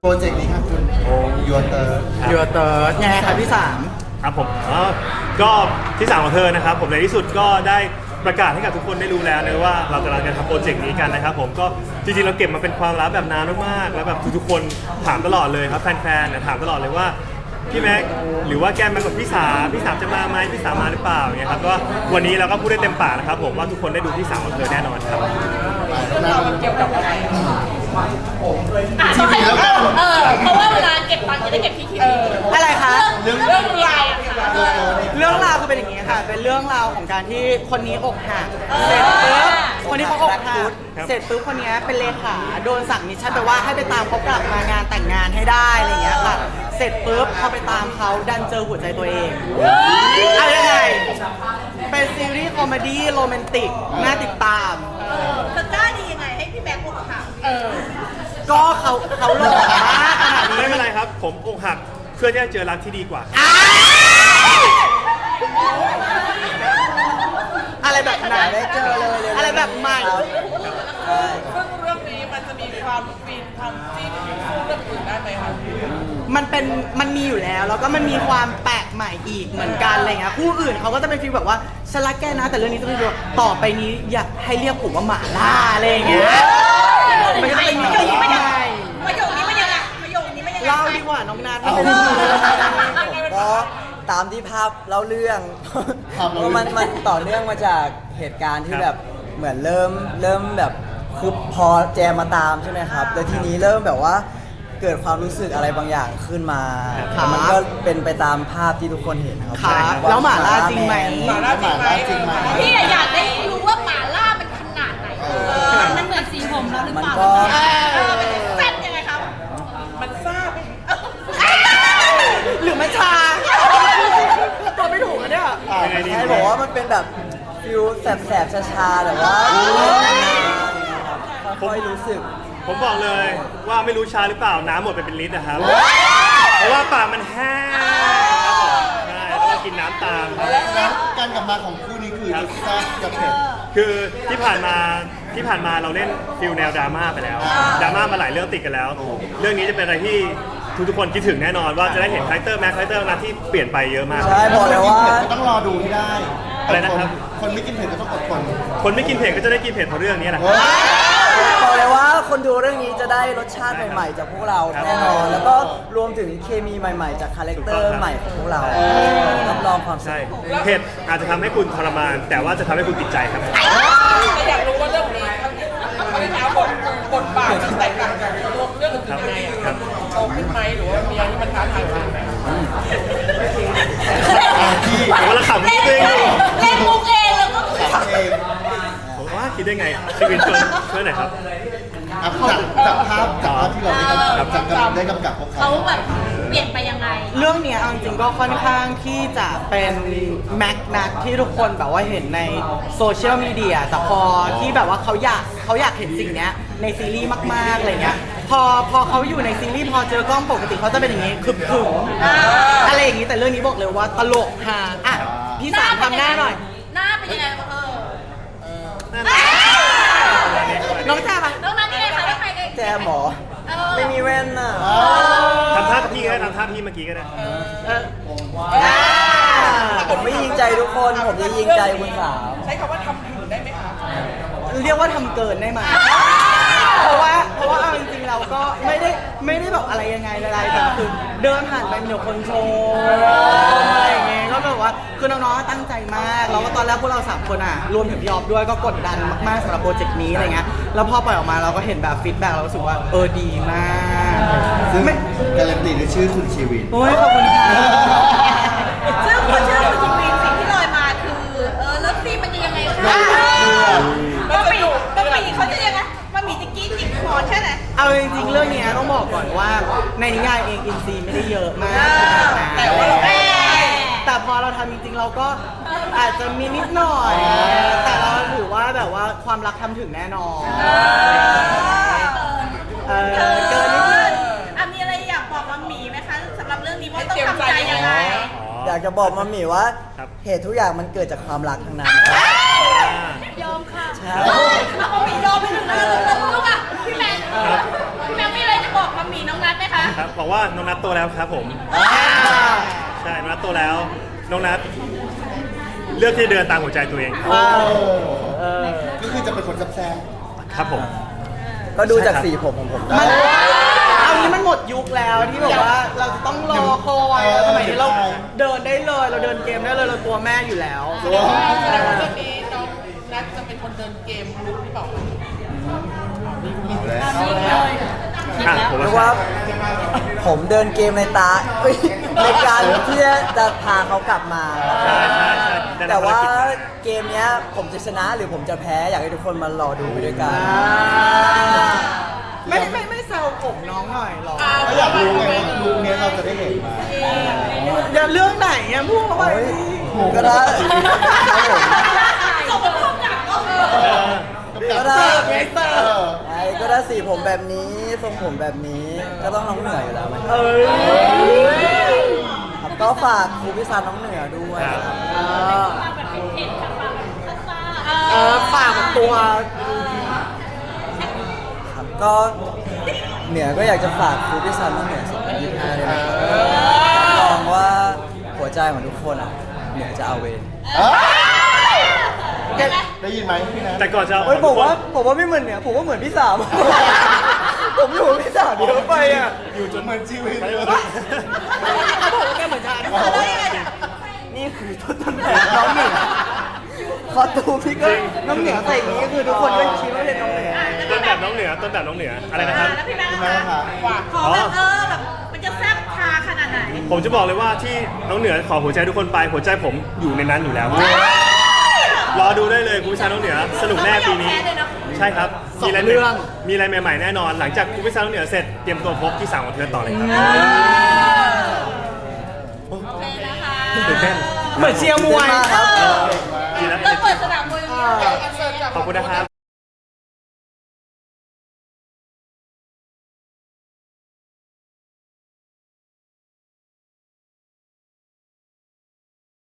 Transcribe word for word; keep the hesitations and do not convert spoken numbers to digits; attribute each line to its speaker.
Speaker 1: รเจกต์นี้ครับคุณยูเตอร์
Speaker 2: ยูเตอร์ยังไงครับพี่สาม
Speaker 3: ครับผมก็ที่สามของเธอนะครับผมในที่สุดก็ได้ประกาศให้กับทุกคนได้รู้แล้วนะว่าเรากำลังจะทำโปรเจกต์นี้กันนะครับผมก็จริงๆเราเก็บมาเป็นความลับแบบนานมากๆแล้วแบบทุกๆคนถามตลอดเลยครับแฟนๆเนี่ยถามตลอดเลยว่าพี่แม็กหรือว่าแกมากับพี่สาพี่สามจะมาไหมพี่สามมาหรือเปล่าเนี่ยครับก็วันนี้เราก็พูดได้เต็มปากนะครับผมว่าทุกคนได้ดูที่สามของเธอแน่นอนครับ
Speaker 4: เกี่ยวกับอะไรทีวีแล้วกันเออเพราะว่าเวลาเก็บตังค์จะได้เก็บที่ทีวี
Speaker 2: อะไรคะ
Speaker 4: เรื่องเรื่องราว
Speaker 2: เรื่องราวคือเป็นอย่างนี้ค่ะเป็นเรื่องราวของการที่คนนี้อกหักเสร็จปุ๊บคนที่เขาอกหักเสร็จปุ๊บคนนี้เป็นเลขาโดนสั่งมิชชั่นไปว่าให้ไปตามเขากลับมางานแต่งงานให้ได้อะไรอย่างเงี้ยค่ะเสร็จปุ๊บพอไปตามเขาดันเจอหัวใจตัวเองอะไรยังไงเป็นซีรีส์คอมเมดี้โรแมนติกน่าติดตาม
Speaker 4: เธอกล้าดียังไงให้พี่แม็กอกหัก
Speaker 2: ก็เขาเขาหล่อมากขนาดนี้
Speaker 3: ไม่เป็นไรครับผมอกหักเพื่อที่จะเจอรักที่ดีกว่า
Speaker 2: อะไรแบบไหนได้เจอเลยอะไรแบบใหม่
Speaker 4: ซึ่งเรื่องนี้มันจะมีความฟินความจิ้นสู้เรื่องอื่นได้ไหมคะ
Speaker 2: มันเป็นมันมีอยู่แล้วแล้วก็มันมีความแปลกใหม่อีกเหมือนกันอะไรเงี้ยคู่อื่นเขาก็จะเป็นฟีลแบบว่าฉันรักแกนะแต่เรื่องนี้ต้องดูต่อไปนี้อยากให้เรียกผมว่าหมาล่าอะไรเงี้ยมันก็เป็นประโยคนี้มันยังไง
Speaker 4: ประโยคนี้มันยังไงประโยคนี้มันยังไง
Speaker 2: เล่าดีกว่าน้องนัท
Speaker 5: ก็ตามที่ภาพเล่าเรื่องเพราะมันมันต่อเนื่องมาจากเหตุการณ์ที่แบบเหมือนเริ่มเริ่มแบบคือพอแจมมาตามใช่ไหมครับแล้วทีนี้เริ่มแบบว่าเกิดความรู้สึกอะไรบางอย่างขึ้นมามันก็เป็นไปตามภาพที่ทุกคนเห็นครับ
Speaker 2: แล้วหมาล่าจริงไหม
Speaker 4: หมาล่าจริงไหมพี่อยากได้รู้ว่าหมาล่ามันขนาดไหนมันเหมือนสีผมเราหรือเปล่ามันแซ่บยังไงครับมันซ่าไหม
Speaker 2: หรือมันชาตัวไม่ถูกนะเนี่ย
Speaker 5: ใช่บอกว่ามันเป็นแบบฟิลแสบๆชาๆแต่ว่าค่อยรู้สึก
Speaker 3: ผมบอกเลยว่าไม่รู้ชาหรือเปล่าน้ำหมดไปเป็นลิตรนะครับเพราะว่าปากมันแห้งใช่แล้วก็กินน้ำตาม
Speaker 1: แล้วการกลับมาของคู่นี้คือแซ่บกับเผ็ด
Speaker 3: คือที่ผ่านมาที่ผ่านมาเราเล่นฟิลแนวดราม่าไปแล้วดราม่ามาหลายเรื่องติดกันแล้วเรื่องนี้จะเป็นอะไรที่ทุกๆคนคิดถึงแน่นอนว่าจะได้เห็นคาแรคเตอร์แม็กคาแรคเตอร์นะที่เปลี่ยนไปเยอะมาก
Speaker 5: ใช่บอกเลยว่า
Speaker 1: ต้องรอดูให้ได้
Speaker 3: อะไรนะครับ
Speaker 1: คนไม่กินเผ็ดก็ต้องอดทน
Speaker 3: คนไม่กินเผ็ดก็จะได้กินเผ็ดเพราะเรื่องนี้แหละ
Speaker 5: บอกเลยว่าคนดูเรื่องนี้จะได้รสชาติใหม่ๆจากพวกเราแน่นอนแล้วก็รวมถึงเคมีใหม่ๆจากคาแรคเตอร์ใหม่ของพวกเรารับรองความ
Speaker 3: ใช่เผ็ดอาจจะทำให้คุณทรมานแต่ว่าจะทำให้คุณติดใจครับ
Speaker 4: อยากรู้ว่าเรื่องนี้เขาได้ถามบทบทบาทแตกต่างจากเรื่องอื่นยังไงอ่ะโตขึ้นไหมหรือว่ามีอะไรที่มันท้าทายมากไหม
Speaker 3: ผมว่าขำเอง
Speaker 4: เล่นมุกเองแล้วก็ขำ
Speaker 1: เอง
Speaker 3: ผมว่าคิดได้ไงชีวิตช่วยช่วยหน่อยครับ
Speaker 1: จากจากภาพจากภาพที่เราได้กำกับจากการได้กำกับพวกเขา
Speaker 4: เขาแบบเปลี่ยนไปยังไง
Speaker 2: เรื่องนี้จริงๆก็ค่อนข้างที่จะเป็นแม็กนัทที่ทุกคนแบบว่าเห็นในโซเชียลมีเดียแต่พอที่แบบว่าเขาอยากเขาอยากเห็นสิ่งนี้ในซีรีส์มากๆอะไรเงี้ยพอพอเขาอยู่ในซีรีส์พอเจอกล้องปกติเขาจะเป็นอย่างนี้คึมคึมอะไรอย่างนี้แต่เรื่องนี้บอกเลยว่าตลกฮาอ่ะพี่สามทำหน้าหน่อย
Speaker 4: หน้าเป็นยังไงเออ
Speaker 2: น้องแจ๊บ
Speaker 4: น้องนัทยังไงคะใคร
Speaker 5: แจมหมอไม่มีแว่นน่ะ
Speaker 3: ทำท่าพี่ก็ได้ทำท่าพี่เมื่อกี้ก็ได้
Speaker 5: ผมไม่ยิงใจทุกคนผมจะยิงใจคุณสาว
Speaker 4: ใช้คำว่าทำถึงได้ไหมคะ
Speaker 2: เรียกว่าทำเกินได้ไหมเพราะว่าเพราะว่าเอาจริงๆเราก็ไม่ได้ไม่ได้แบบอะไรยังไงอะไรแต่คือเดินผ่านไปมีแต่คนชมอะไรอย่างเงี้ยก็แบบว่าคือน้องๆตั้งใจมากแล้วก็ตอนแรกพวกเราสามคนอ่ะรวมถึงพี่ออฟด้วยก็กดดันมากๆสำหรับโปรเจกต์นี้อะไรเงี้ยแล้วพอปล่อยออกมาเราก็เห็นแบบฟีดแบ็กเรารู้สึกว่าเออดีมาก
Speaker 1: ซึ่งการันตีด้วยชื่อคุณชีวิน
Speaker 2: โอ้ยขอบคุณค่ะ
Speaker 4: ซึ่งพอชื่อคุณชีวินสิ่งที่ลอยมาคือเออเลิฟซีมันจะยังไงคะมันมีมันมีเขาจะยังไงมันมีจิกกี้จิกคอใช่ไหม
Speaker 2: เอาจริงๆเรื่องนี้ต้องบอกก่อนว่าในนิยายเองอินซีไม่ได้เยอะมาก
Speaker 4: แต่ว่าเรา
Speaker 2: แต่พอเราทำจริงๆเราก็อาจจะมีนิดหน่อยแต่เราถือว่าแบบว่าความรักทำถึงแน่นอน
Speaker 4: เออเกินนิดนึงอ่ะมีอะไรอยากบอกมัมมี่ไหมคะสำหรับเรื่องนี้ว่าต้องทำใจยังไง
Speaker 5: อยากจะบอกมัมมี่ว่าเหตุทุกอย่างมันเกิดจากความรักทั้งนั้น
Speaker 4: ยอมค่ะมัมมี่ยอมไปถึงนั้นแล้วลูกอ่ะพี่แมนพี่แมนมีอะไรจะบอกมัมมี่น้องนัทไหมคะ
Speaker 3: ราะว่าน้องนัทโตแล้วครับผมใช่น้องนัทโตแล้วน้องนัทเลือกที่จะเดินตามหัวใจตัวเองครับ
Speaker 2: เออ
Speaker 1: ก็คือจะเป็นคนแซ่บ
Speaker 3: ครับผม
Speaker 5: ก็ดูจากสีผมของผม
Speaker 2: มันเอานี้มันหมดยุคแล้วที่แบบว่าเราจะต้องรอคอยแล้วสมัยนี้เราเดินได้เลยเราเดินเกมได้เลยเราตัวแม่อยู่แล้ว
Speaker 1: ๆตัว
Speaker 6: แสดงว่าเรื่องนี้น้องนัทจะเป็นคนเดินเกมลุกหรือเปล่า
Speaker 1: เอาแล้ว
Speaker 3: อ่ะผม
Speaker 5: เรียก
Speaker 3: ว่า
Speaker 5: ว่าผมเดินเกมในตาเอ้ยในการที่จะพาเขากลับมา
Speaker 3: ใช่ใช่ใช่ได้รับ
Speaker 5: แต่ว่า
Speaker 3: ภรกิจ
Speaker 5: เกมเนี้ยผมจะชนะหรือผมจะแพ้อยากให้ทุกคนมารอดูไปด้วยกัน
Speaker 2: ไม่ไม่ไม่แซวผมน้องหน่อยหรอ
Speaker 1: ก็อยากรู้ไงว่าลุคเนี้ยเราจะได้เห็นมา
Speaker 2: อย่าเรื่องไหนอ่ะพูดเข้าไป
Speaker 5: เฮ้ยก็ได้ครับผม
Speaker 4: ส่งไปพร้อมกับก็คือ
Speaker 3: เออ
Speaker 5: ก็ได้
Speaker 2: เสิร์ฟไงเสิร์ฟ
Speaker 5: ไอ้ก็ได้สีผมแบบนี้ทรงผมแบบนี้ก็ต้องน้องเหนืออยู่แล้วไหม
Speaker 2: เอ้ย
Speaker 5: ครับก็ฝากครูพิซานน้องเหนือด้วยครับ
Speaker 2: เออปากกับตัว
Speaker 5: ครับก็เหนือก็อยากจะฝากครูพิซานน้องเหนือสองพันยี่สิบห้าด้วยนะครับลองว่าหัวใจของทุกคนอ่ะเหนือจะเอาเวร
Speaker 1: เอ้ยได้ยินไหมพี่นัท
Speaker 3: แต่ก่อนจะ
Speaker 5: เฮ้ยผมว่าผมว่าไม่เหมือนเหนือผมว่าเหมือนพี่สาม ผมอยู่กับพี่สามเยอะไปอ่ะ
Speaker 1: อยู่จนเหมือนชีวิตเลย
Speaker 2: ผมก็เหมือนกัน
Speaker 5: นี่คือต้นตำแหน่งน้องเหนือคอตูมพี่ก็น้องเหนือใส่อย่างนี้ก็คือทุกคนก็คิดว่าเป็นน้องเหนือ
Speaker 3: ต้นแบบน้องเหนือต้นแบบน้องเหนืออะไรนะครับ
Speaker 4: แล้วพี่แม่
Speaker 1: ใช่ไหมคะ
Speaker 4: ขอแบบเออแบบมันจะแซ่บพาขนาดไหน
Speaker 3: ผมจะบอกเลยว่าที่น้องเหนือขอหัวใจทุกคนไปหัวใจผมอยู่ในนั้นอยู่แล้วรอดูได้เลยคุณพิชาน้องเหนือสนุกแน่ปีนี้ ใช่ครับมีอะไรเรื่องมีอะไรใหม่ๆแน่นอน หลังจากคุณพิชาน้องเหนือเสร็จเตรียมตัวพบที่สามของเธอต่อเลยครับ
Speaker 4: โอเคนะคะ
Speaker 3: ตื่นเต้น
Speaker 2: เหมือนเชียร์มวย
Speaker 5: ครับ
Speaker 3: ดีแล้ว
Speaker 4: ต้องเปิดสนามมวยอย่างนี้
Speaker 3: ขอบคุณนะครับ